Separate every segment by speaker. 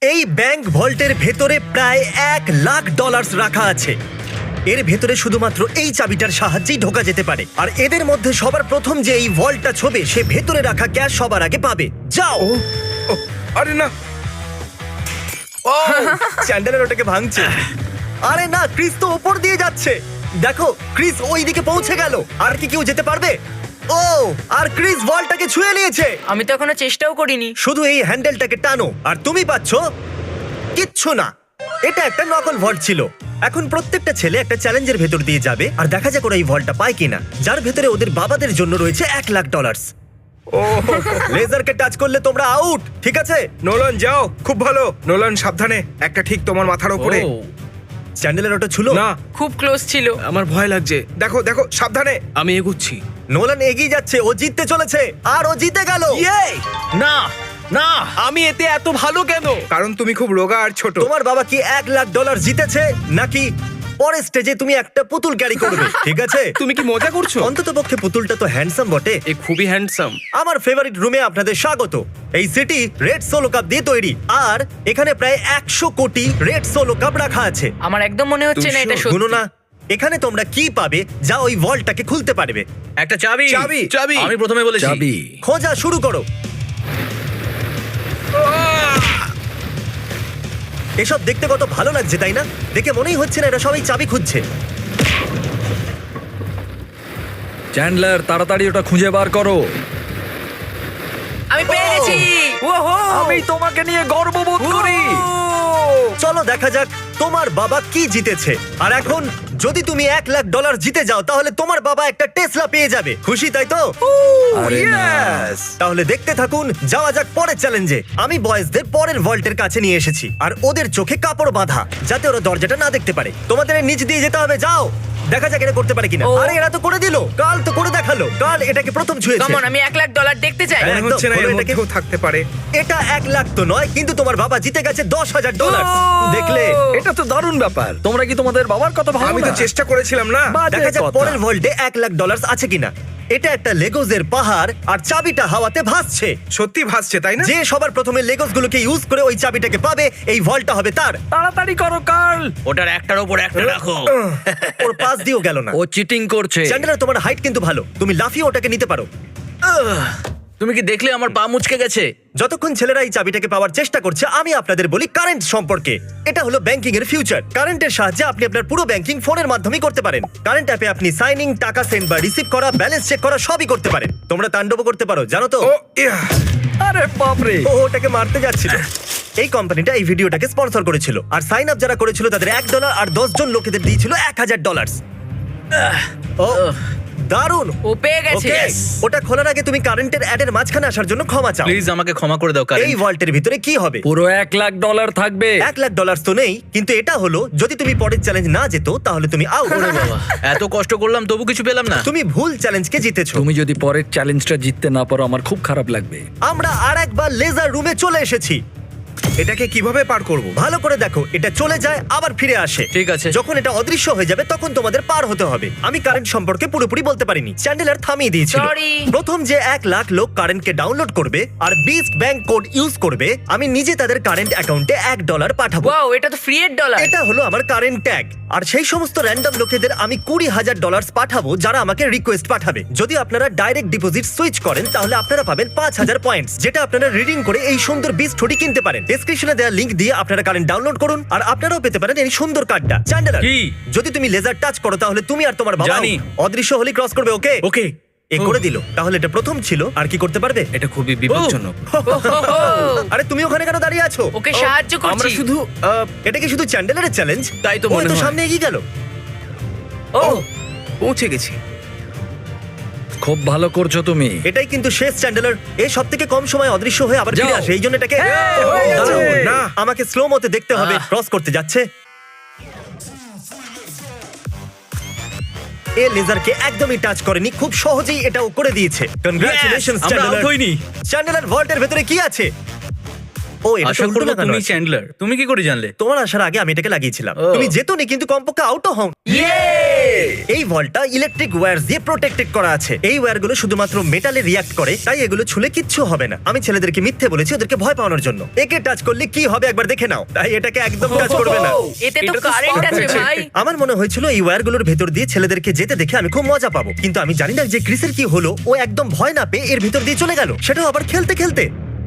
Speaker 1: এই ব্যাংক ভল্টের ভেতরে প্রায় $1,00,000 রাখা আছে। এর ভেতরে শুধুমাত্র এই চাবিটার সাহায্যেই ঢোকা যেতে পারে। আর এদের মধ্যে সবার প্রথম যে এই ভল্টটা ছোবে সে ভেতরে রাখা ক্যাশ সবার আগে পাবে। যাও।
Speaker 2: ও, আরে না। ও
Speaker 1: চ্যান্ডেলার ওটাকে ভাঙছে। আরে না, ক্রিস তো উপর দিয়ে যাচ্ছে। দেখো ক্রিস ওই দিকে পৌঁছে গেল। আর কি কেউ যেতে পারবে? ও, আর ক্রিস ভল্টটাকে ছুঁয়ে নিয়েছে।
Speaker 3: আমি তো এখনো চেষ্টাও করিনি।
Speaker 1: শুধু এই হ্যান্ডেলটাকে টানো আর তুমি পাচ্ছ কিচ্ছু না। এটা একটা নকল ভল্ট ছিল। এখন প্রত্যেকটা ছেলে একটা চ্যালেঞ্জের ভেতর দিয়ে যাবে আর দেখা যাক ওরা এই ভল্টটা পায় কিনা, যার ভেতরে ওদের বাবাদের জন্য রয়েছে $1,00,000।
Speaker 2: ও
Speaker 1: লেজারকে টাচ করলে তোমরা আউট, ঠিক আছে?
Speaker 2: নোলান যাও, খুব ভালো। নোলান সাবধানে, একটা ঠিক তোমার মাথার উপরে।
Speaker 1: চ্যান্ডেলের ওটা ছিল
Speaker 2: না,
Speaker 3: খুব ক্লোজ ছিল।
Speaker 2: আমার ভয় লাগছে। দেখো দেখো, সাবধানে।
Speaker 4: আমি এগুচ্ছি।
Speaker 1: নোলান এগিয়ে যাচ্ছে, ও জিততে চলেছে আর ও জিতে গেল।
Speaker 4: না না, আমি এতে এত ভালো কেন?
Speaker 2: কারণ তুমি খুব রোগা আর ছোট।
Speaker 1: তোমার বাবা কি $1,00,000 জিতেছে নাকি পরের স্টেজে তুমি একটা পুতুল ক্যারি করবে? ঠিক আছে,
Speaker 2: তুমি কি মজা করছো?
Speaker 1: অন্তত পক্ষে পুতুলটা তো হ্যান্ডসাম বটে।
Speaker 4: এ খুবই হ্যান্ডসাম।
Speaker 1: আমার ফেভারিট রুমে আপনাদের স্বাগত। এই সিটি রেড সোলো কাপ দিয়ে তৈরি আর এখানে প্রায় 100 কোটি রেড সোলো কাপ রাখা আছে।
Speaker 3: আমার একদম মনে হচ্ছে না এটা
Speaker 1: শুনো
Speaker 3: সত্যি।
Speaker 1: না, এখানে তোমরা কি পাবে যা ওই ভল্টটাকে খুলতে পারবে?
Speaker 4: একটা চাবি।
Speaker 2: চাবি।
Speaker 4: চাবি। আমি প্রথমে বলেছি
Speaker 5: চাবি।
Speaker 1: খোঁজা শুরু করো। এসব দেখতে কত ভালো লাগছে তাই না? দেখে মনেই হচ্ছে না এরা সবাই চাবি খুঁজছে।
Speaker 5: চ্যান্ডলার, তাড়াতাড়ি ওটা খুঁজে বার করো।
Speaker 3: আমি পেয়ে গেছি।
Speaker 5: আমি তোমাকে নিয়ে গর্ববোধ করি।
Speaker 1: চলো দেখা যাক তোমার বাবা কি জিতেছে। আর এখন যদি তুমি $1,00,000 জিতে যাও তাহলে তোমার বাবা একটা টেসলা পেয়ে যাবে। খুশি তাই তো?
Speaker 5: আরে না।
Speaker 2: Yes!
Speaker 1: তাহলে দেখতে থাকুন, যাওয়া যাক পরের চ্যালেঞ্জে। আমি বয়েজদের পরের ভল্টের কাছে নিয়ে এসেছি আর ওদের চোখে কাপড় বাঁধা যাতে ওরা দরজাটা না দেখতে পারে। তোমাদের এর নিচ দিয়ে যেতে হবে, যাও। দেখা যাক এটা করতে পারে কিনা।
Speaker 3: ও।
Speaker 1: আরে এরা তো করে দিল, কাল তো করে দেখালো। কাল এটাকে প্রথম ছুঁয়েছে।
Speaker 3: কেমন, আমি $1,00,000 দেখতে চাই।
Speaker 1: হ্যাঁ।
Speaker 2: মনে হচ্ছে না
Speaker 1: একদম,
Speaker 2: এর
Speaker 1: বলো এটাকে।
Speaker 2: মধ্যেও থাকতে পারে।
Speaker 1: এটা 1,00,000 তো নয়, কিন্তু তোমার বাবা জিতে গেছে $10,000। দেখলে?
Speaker 5: এটা তো দারুণ ব্যাপার। তোমরা কি তোমাদের বাবার কথা ভাবো
Speaker 2: আমি তো
Speaker 5: না?
Speaker 2: চেষ্টা করেছিলাম না।
Speaker 5: বাজে
Speaker 1: দেখা যাক
Speaker 5: কথা।
Speaker 1: পরের ভল্টে $1,00,000 আছে কিনা। এটা একটা লেগোজের পাহাড় আর চাবিটা হাওয়াতে ভাসছে।
Speaker 2: সত্যি ভাসছে, তাই না?
Speaker 1: যে সবার প্রথমে লেগোস গুলোকে ইউজ করে ওই চাবিটাকে পাবে, এই ভল্টটা হবে তার।
Speaker 5: তাড়াতাড়ি করো কার্ল।
Speaker 4: ওটার একটার উপর একটা রাখো।
Speaker 1: ওর পাশ দিয়েও গেল না।
Speaker 5: ও চিটিং করছে।
Speaker 1: চ্যান্ডেলার, তোমার হাইট কিন্তু ভালো, তুমি লাফিয়ে ওটাকে নিতে পারো।
Speaker 4: তুমি কি দেখলে আমার পা মুচকে গেছে?
Speaker 1: যতক্ষণ ছেলেরা এই চাবিটাকে পাওয়ার চেষ্টা করছে আমি আপনাদের বলি কারেন্ট সম্পর্কে। এটা হলো ব্যাংকিং এর ফিউচার। কারেন্টের সাহায্যে আপনি আপনার পুরো ব্যাংকিং ফোনের মাধ্যমে করতে পারেন। কারেন্ট অ্যাপে আপনি সাইনিং, টাকা সেন্ড বা রিসিভ করা, ব্যালেন্স চেক করা সবই করতে পারেন। তোমরা তাণ্ডব করতে পারো, জানো তো?
Speaker 2: ও ইয়া!
Speaker 5: আরে বাপরে।
Speaker 1: ও ওটাকে মারতে যাচ্ছিল। এই কোম্পানিটা এই ভিডিওটাকে স্পন্সর করেছিল আর সাইন আপ যারা করেছিল তাদের $1 আর 10 জন লোকেদের দিয়েছিল $1,000। ও দারুণ।
Speaker 3: ও পেয়ে গেছে।
Speaker 1: ওকে, ওটা খোলার আগে তুমি কারেন্টের অ্যাডের মাঝখানে আসার জন্য ক্ষমা চাও।
Speaker 4: প্লিজ আমাকে ক্ষমা করে দাও
Speaker 1: এই ভল্টের ভিতরে কি হবে?
Speaker 5: পুরো $1,00,000 থাকবে।
Speaker 1: $1,00,000 তো নেই, কিন্তু এটা হলো যদি তুমি পরের চ্যালেঞ্জ না যেত তাহলে তুমি আউট।
Speaker 4: এত কষ্ট করলাম তবু কিছু পেলাম না।
Speaker 1: তুমি ভুল চ্যালেঞ্জকে জিতেছো।
Speaker 5: তুমি যদি পরের চ্যালেঞ্জটা জিততে না পারো আমার খুব খারাপ লাগবে।
Speaker 1: আমরা আর একবার লেজার রুমে চলে এসেছি।
Speaker 2: এটাকে কিভাবে পার করব?
Speaker 1: ভালো করে দেখো, এটা চলে যায় আবার ফিরে আসে।
Speaker 4: ঠিক আছে।
Speaker 1: যখন এটা অদৃশ্য হয়ে যাবে তখন তোমাদের পার হতে হবে। আমি কারেন্ট সম্পর্কে পুরোপুরি বলতে পারিনি, চ্যান্ডেলার থামিয়ে দিয়েছিল।
Speaker 3: Sorry.
Speaker 1: প্রথম যে 1,00,000 লোক কারেন্টকে ডাউনলোড করবে আর বিস্ট ব্যাংক কোড ইউজ করবে, আমি নিজে তাদের কারেন্ট অ্যাকাউন্টে $1 পাঠাবো।
Speaker 3: ওয়াও, এটা তো ফ্রি এর ডলার।
Speaker 1: এটা হলো আমার কারেন্ট ট্যাগ। আর সেই সমস্ত র্যান্ডম লোকেদের আমি $20,000 পাঠাবো যারা আমাকে রিকোয়েস্ট পাঠাবে। যদি আপনারা ডাইরেক্ট ডিপোজিট সুইচ করেন তাহলে আপনারা পাবেন 5,000 পয়েন্টস, যেটা আপনারা রিডিং করে এই সুন্দর বিস্ট হুডি কিনতে পারেন। ডেসক্রিপশনে দেওয়া লিংক দিয়ে আপনারা কারেন্ট ডাউনলোড করুন আর আপনারাও পেতে পারেন এই সুন্দর কার্ডটা। চ্যান্ডেলার,
Speaker 4: কি?
Speaker 1: যদি তুমি লেজার টাচ করো তাহলে তুমি আর তোমার বাবা
Speaker 4: জানি।
Speaker 1: অদৃশ্য হলে ক্রস করবে। ওকে
Speaker 4: ওকে।
Speaker 1: এ করে দিল। তাহলে এটা প্রথম ছিল, আর কি করতে পারবে?
Speaker 4: এটা খুবই বিপজ্জনক।
Speaker 1: আরে তুমি ওখানে কেন দাঁড়িয়ে আছো?
Speaker 3: ওকে সাহায্য করছি।
Speaker 4: আমরা শুধু
Speaker 1: এটা কি শুধু চ্যান্ডেলারের চ্যালেঞ্জ?
Speaker 4: তাই তো মনে
Speaker 1: তো
Speaker 4: হয়।
Speaker 1: সামনে এগিয়ে গেল।
Speaker 2: ও পৌঁছে গেছি।
Speaker 5: খুব ভালো করছো তুমি।
Speaker 1: এটাই কিন্তু শেষ চ্যান্ডেলার। এই সব থেকে কম সময় অদৃশ্য হয়ে আবার ফিরে
Speaker 5: যাও।
Speaker 1: আসে, এই জন্য এটাকে
Speaker 2: হয়ে
Speaker 1: দাঁড়াও,
Speaker 2: গেছে।
Speaker 1: না আমাকে স্লো মতে দেখতে হবে। ক্রস করতে যাচ্ছে। এ লেজারকে একদমই টাচ করেনি, খুব সহজেই এটাও করে দিয়েছে। কনগ্রাচুলেশনস
Speaker 4: আমরা
Speaker 1: চ্যান্ডেলার।
Speaker 4: out হইনি।
Speaker 1: চ্যান্ডেলার ভল্টের ভেতরে কি আছে? ও এটা তো
Speaker 4: আশা
Speaker 1: উল্টো
Speaker 4: করবো
Speaker 1: লাগানো
Speaker 4: তুমি
Speaker 1: আছে।
Speaker 4: চ্যান্ডলার। তুমি কি করে জানলে?
Speaker 1: তোমার আসার আগে আমি এটাকে লাগিয়েছিলাম।
Speaker 4: ও।
Speaker 1: তুমি যেতনি কিন্তু কমপক্ষে আউটও হও। এই ভলটা ইলেকট্রিক ওয়্যার দিয়ে প্রোটেক্টেড করা আছে। এই ওয়্যারগুলো শুধুমাত্র মেটালে রিয়াক্ট করে, তাই এগুলো ছুলে কিচ্ছু হবে না। আমি ছেলেদেরকে মিথ্যে বলেছি ওদেরকে ভয় পাওয়ানোর জন্য। একে টাচ করলে কি হবে একবার দেখে নাও, তাই এটাকে একদম টাচ করবে না।
Speaker 3: এতে তো
Speaker 4: এটা তো
Speaker 3: কারেন্ট
Speaker 4: smart
Speaker 3: আছে
Speaker 4: হয়েছে।
Speaker 3: ভাই।
Speaker 1: আমার মনে হয়েছিল এই ওয়্যারগুলোর ভেতর দিয়ে ছেলেদেরকে যেতে দেখে আমি খুব মজা পাবো, কিন্তু আমি জানি না যে ক্রিসের কি হলো। ও একদম ভয় না পেয়ে এর ভিতর দিয়ে চলে গেল, সেটাও আবার খেলতে খেলতে।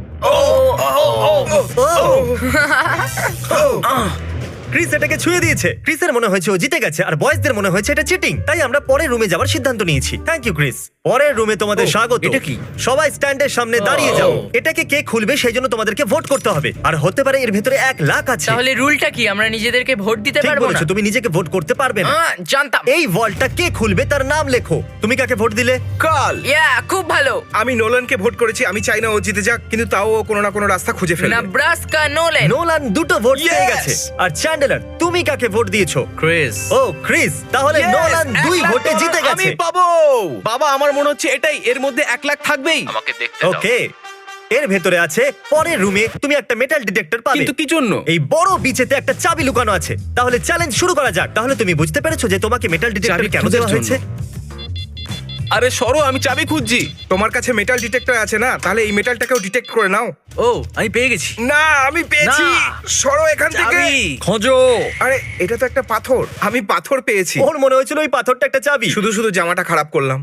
Speaker 1: ক্রিস এটাকে ছুঁয়ে দিয়েছে। ক্রিসের মনে হয়েছে ও জিতে গেছে, আর বয়েজদের মনে হয়েছে এটা চিটিং। তাই আমরা পরের রুমে যাওয়ার সিদ্ধান্ত নিয়েছি। Thank you Chris. পরের রুমে তোমাদের স্বাগত।
Speaker 4: এটা কি?
Speaker 1: সবাই স্ট্যান্ডের সামনে দাঁড়িয়ে যাও। এটাকে কে খুলবে সেই জন্য তোমাদেরকে ভোট করতে হবে, আর হতে পারে এর ভিতরে 1 লাখ আছে।
Speaker 3: তাহলে রুলটা কি? আমরা নিজেদেরকে ভোট দিতে
Speaker 1: ঠিক
Speaker 3: পারবো না?
Speaker 1: বলেছো, তুমি নিজেকে ভোট করতে পারবে না।
Speaker 3: জানতাম।
Speaker 1: এই ভল্টটা কে খুলবে তার নাম লেখো। তুমি কাকে ভোট দিলে?
Speaker 2: কাল
Speaker 3: ইয়া, খুব ভালো।
Speaker 2: আমি নোলানকে ভোট করেছি। আমি চাই না ও জিতে যাক, কিন্তু তাও ও কোনো না কোনো রাস্তা খুঁজে ফেলবে।
Speaker 3: Nebraska Noland.
Speaker 1: নোলান 2টো ভোট পেয়ে
Speaker 2: Yes!
Speaker 1: গেছে। আর চ্যান্ডেলার, তুমি কাকে ভোট দিয়েছো?
Speaker 4: ক্রিস।
Speaker 1: ও ক্রিস, তাহলে
Speaker 2: Yes!
Speaker 1: নোলান 2
Speaker 2: 1 লাখ
Speaker 1: ভোটে
Speaker 2: ডলার
Speaker 1: জিতে
Speaker 2: আমি
Speaker 1: গেছে।
Speaker 4: পাবো। বাবা, আমার মনে হচ্ছে এটাই, এর মধ্যে 1 লাখ থাকবেই।
Speaker 6: আমাকে দেখতে দাও।
Speaker 1: ওকে, এর ভেতরে আছে পরের রুমে তুমি একটা মেটাল ডিটেক্টর পাবে।
Speaker 4: কিন্তু কি জন্য?
Speaker 1: এই বড় বিচেতে একটা চাবি লুকানো আছে। তাহলে চ্যালেঞ্জ শুরু করা যাক। তাহলে তুমি বুঝতে পেরেছো যে তোমাকে মেটাল ডিটেক্টর
Speaker 4: চাবি
Speaker 1: কেন
Speaker 4: খোঁজার
Speaker 1: দেওয়া হয়েছে?
Speaker 4: আরে সরো, আমি চাবি খুঁজছি।
Speaker 2: তোমার কাছে মেটাল ডিটেক্টর আছে না? তাহলে এই মেটালটাকেও ডিটেক্ট করে নাও।
Speaker 4: ও, আমি পেয়ে গেছি।
Speaker 2: না, আমি পেয়েছি।
Speaker 4: না।
Speaker 2: সরো এখান থেকে।
Speaker 4: চাবি।
Speaker 5: খোঁজো।
Speaker 2: আরে এটা তো একটা পাথর। আমি পাথর পেয়েছি।
Speaker 1: ওর মনে হয়েছিল ওই পাথরটা একটা চাবি।
Speaker 2: শুধু শুধু জামাটা খারাপ করলাম।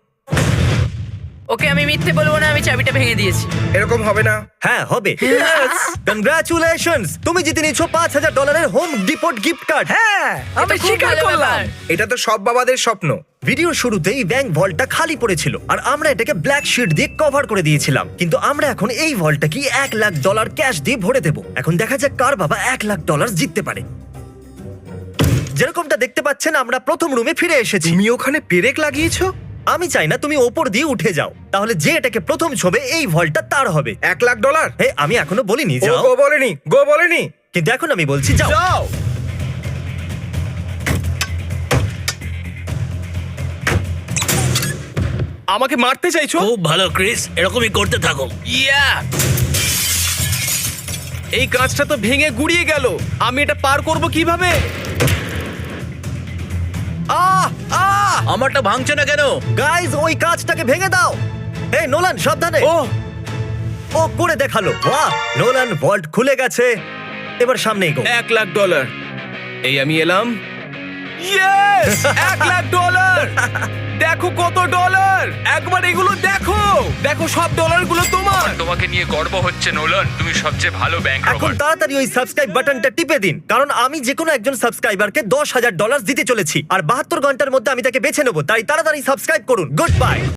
Speaker 3: ওকে, আমি মিথ্যে বলবো না, আমি চাবিটা ভেঙে দিয়েছি।
Speaker 2: এরকম হবে না।
Speaker 1: হ্যাঁ হবে। কনগ্রাচুলেশনস, তুমি জিতে নিয়েছো $5000 হোম ডিপোট গিফট কার্ড।
Speaker 5: হ্যাঁ, আমি
Speaker 3: এটা খুব
Speaker 5: স্বীকার
Speaker 3: ভালো
Speaker 5: করলাম।
Speaker 3: ব্যাপার।
Speaker 2: এটা তো সব বাবাদের স্বপ্ন।
Speaker 1: ভিডিও শুরুতেই ব্যাংক ভল্টটা খালি পড়েছিল, আর আমরা এটাকে ব্ল্যাক শিট দিয়ে কভার করে দিয়েছিলাম। কিন্তু আমরা এখন এই ভল্টটাকে $1 লাখ ক্যাশ দিয়ে ভরে দেবো। এখন দেখা যাক কার বাবা $1 লাখ জিততে পারে। যেরকমটা দেখতে পাচ্ছেন, আমরা প্রথম রুমে ফিরে এসেছি।
Speaker 2: তুমি ওখানে পেরেক লাগিয়েছো?
Speaker 1: আমি চাই না তুমি ওপর দিয়ে উঠে যাও, তাহলে যে এটাকে প্রথম ছবে এই ভল্টটা তার হবে।
Speaker 2: $1 লাখ?
Speaker 1: হে, আমি এখনো বলিনি
Speaker 2: ও
Speaker 1: যাও,
Speaker 2: গো বলেনি, গো বলেনি।
Speaker 1: কিন্তু এখন আমি বলছি যাও।
Speaker 4: যাও। আমাকে মারতে চাইছো?
Speaker 6: খুব ভালো ক্রিস, এরকমই করতে থাকো।
Speaker 3: ইয়া,
Speaker 4: এই কাঁচটা তো ভেঙে গুড়িয়ে গেল। আমি এটা পার করব কিভাবে? আহ আহ
Speaker 6: আমারটা ভাঙছে না কেন?
Speaker 1: গাইজ, ওই কাঁচটাকে ভেঙে দাও। হে নোলান, সাবধানে।
Speaker 4: ও
Speaker 1: ও করে দেখালো। বাহ, নোলান, ভল্ট খুলে গেছে। এবার সামনে এগো।
Speaker 4: $1 লাখ। এই আমি এলাম। ইয়েস, $1 লাখ। দেখো কত ডলার। একবার এগুলো দেখো। দেখো সব ডলারগুলো তোমার।
Speaker 6: তোমাকে নিয়ে গর্ব হচ্ছে নোলান, তুমি সবচেয়ে ভালো ব্যাংক
Speaker 1: এখন তাড়াতাড়ি ওই সাবস্ক্রাইব বাটনটা টিপে দিন, কারণ আমি যে কোনো একজন সাবস্ক্রাইবারকে $10,000 দিতে চলেছি, আর 72 ঘন্টার মধ্যে আমি তাকে বেছে নেবো। তাই তাড়াতাড়ি সাবস্ক্রাইব করুন। Good by.